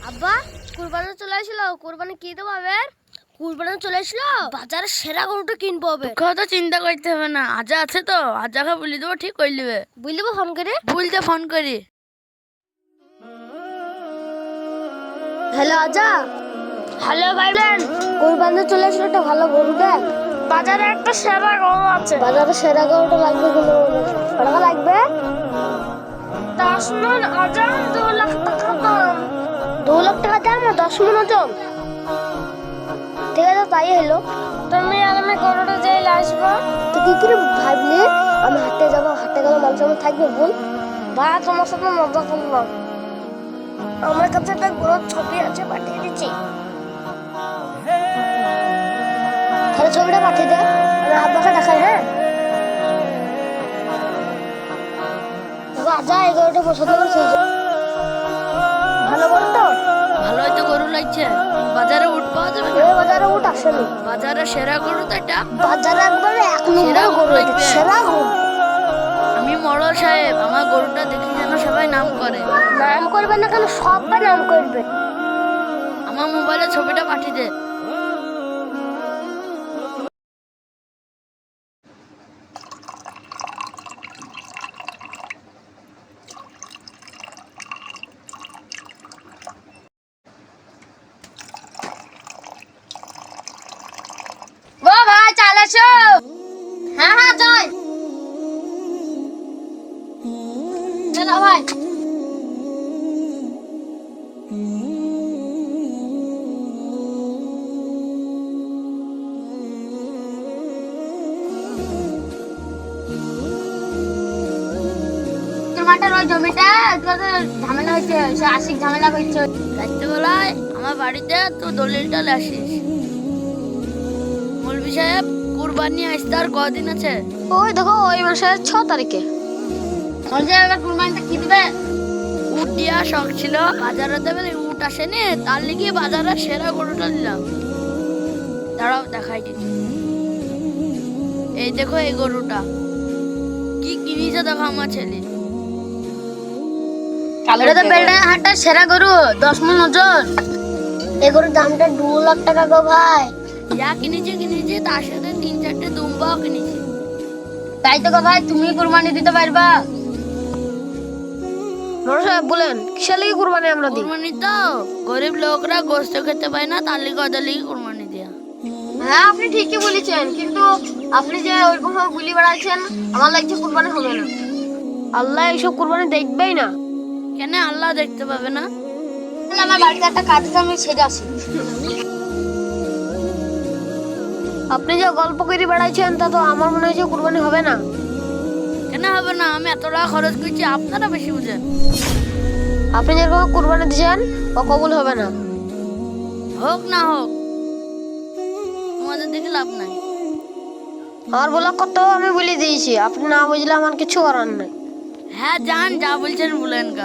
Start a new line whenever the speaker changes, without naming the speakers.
আব্বা কুরবানি চলে আসলো, কুরবানি কি দেবো এবার? কুরবানি চলে আসলো, বাজারের সেরা গরুটা কিনবো এবার।
তো চিন্তা করতে হবে না, আজা আছে তো, আজাকে বলে দেবো, ঠিক করে নেবে।
বুঝলিবো ফোন করে?
বলতে ফোন করি।
হ্যালো আজা।
হ্যালো ভাইজান,
কুরবানি চলে আসলো, একটা ভালো গরু দেখ।
বাজারে একটা সেরা গরু আছে।
বাজারে সেরা গরুটা লাগবে, কিলো টাকা লাগবে?
10 মণ ওজন, 2 লাখ টাকা দাম।
2 লাখ টাকা দাম, 10 মণ ওজন। ঠিক আছে, তাই হলো।
তুমি আর আমি গরুটা যেই আসবো।
তো কি করে ভাবলি আমি হাটে যাবো, হাটে গেলে মানুষ আমার থাকবে? বল
ভাই, তোমার সাথে মজা করলাম।
আমার কাছে একটা গরুর ছবি আছে, পাঠিয়ে দিচ্ছি। তাহলে ছবিটা পাঠিয়ে দে, আমি আব্বাকে দেখাই। হ্যাঁ রাজা, এই গরুটা পছন্দ করছে। ভালো গরু তো?
ভালোই তো গরু লাগছে। বাজারে উঠ পাওয়া যাবে না?
বাজারে উঠ আসেনি।
বাজারে সেরা গরু তো এটা।
বাজারে একবারে এক
সেরা
নম্বর গরু,
গরু
এটা
লাগবে।
সেরা গরু।
আমি মরল সাহেব, আমার গরুটা দেখি যেন সবাই নাম করে।
নাম করবে না কেন, সবাই নাম করবে।
আমার মোবাইলে ছবিটা পাঠিয়ে দে।
ও ভাই, চাল আসো। হ্যাঁ হ্যাঁ, যাই। চলো ভাই। তোমার ওই জমিটা ঝামেলা হয়েছে, সে আশিক ঝামেলা করছে।
রাত্রেবেলায় আমার বাড়িতে তো দলিলটা আসিস। মৌলভী সাহেব, কুরবানি আসতে আর কদিন আছে?
ওই দেখো, ওই মাসের 6 তারিখে।
কুরবানিটা কি দিবে? উট দিয়া শখ ছিল, বাজারে দেবে, উট আসেনি, তার লিগে বাজারে সেরা গরুটা নিলাম। দাঁড়াও, দেখাই দিচ্ছি। এই দেখো, এই গরুটা কি কিনেছে দেখো আমার ছেলে।
এটা তো বেলডাঙ্গা হাটের সেরা গরু, 10 মণ ওজন। এই গরুর দামটা 2 লাখ টাকা গো ভাই।
যা কিনেছে, তার সাথে 3-4টে দুম্বাও কিনেছে।
তাই তো গো ভাই, তুমি কুরবানি দিতে পারবা? বড় সাহেব বলেন, কিসের লাগি কুরবানি আমরা দিই?
কুরবানি তো গরিব লোকরা গোস্ত খেতে পায় না, তার লিগে ওদের লিগে কুরবানি দেয়া।
হ্যাঁ, আপনি ঠিকই বলেছেন, কিন্তু আপনি যে ওইরকম ভাবে বলি বেড়াচ্ছেন, আমার লাগছে কুরবানি হবে না। আল্লাহ এইসব কুরবানি দেখবেই না।
কেন আল্লাহ দেখতে পাবে না?
আমার বাড়িতে একটা কাজ আছে, আমি সেরে আসি। আপনি যে গল্প করে বেড়াচ্ছেন, তা তো আমার মনে হচ্ছে কুরবানি হবে না।
কেন হবে না? আমি এত টাকা খরচ করছি, আপনারা বেশি বুঝেন।
আপনি যেরকম কুরবানি দিচ্ছেন, ও কবুল হবে না।
হোক না হোক, তোমাদের দেখে লাভ নাই।
আমার বলা কত আমি বলে দিয়েছি, আপনি না বুঝলে আমার কিছু করার নাই।
হ্যাঁ, যান, যা বলছেন বলেন গা।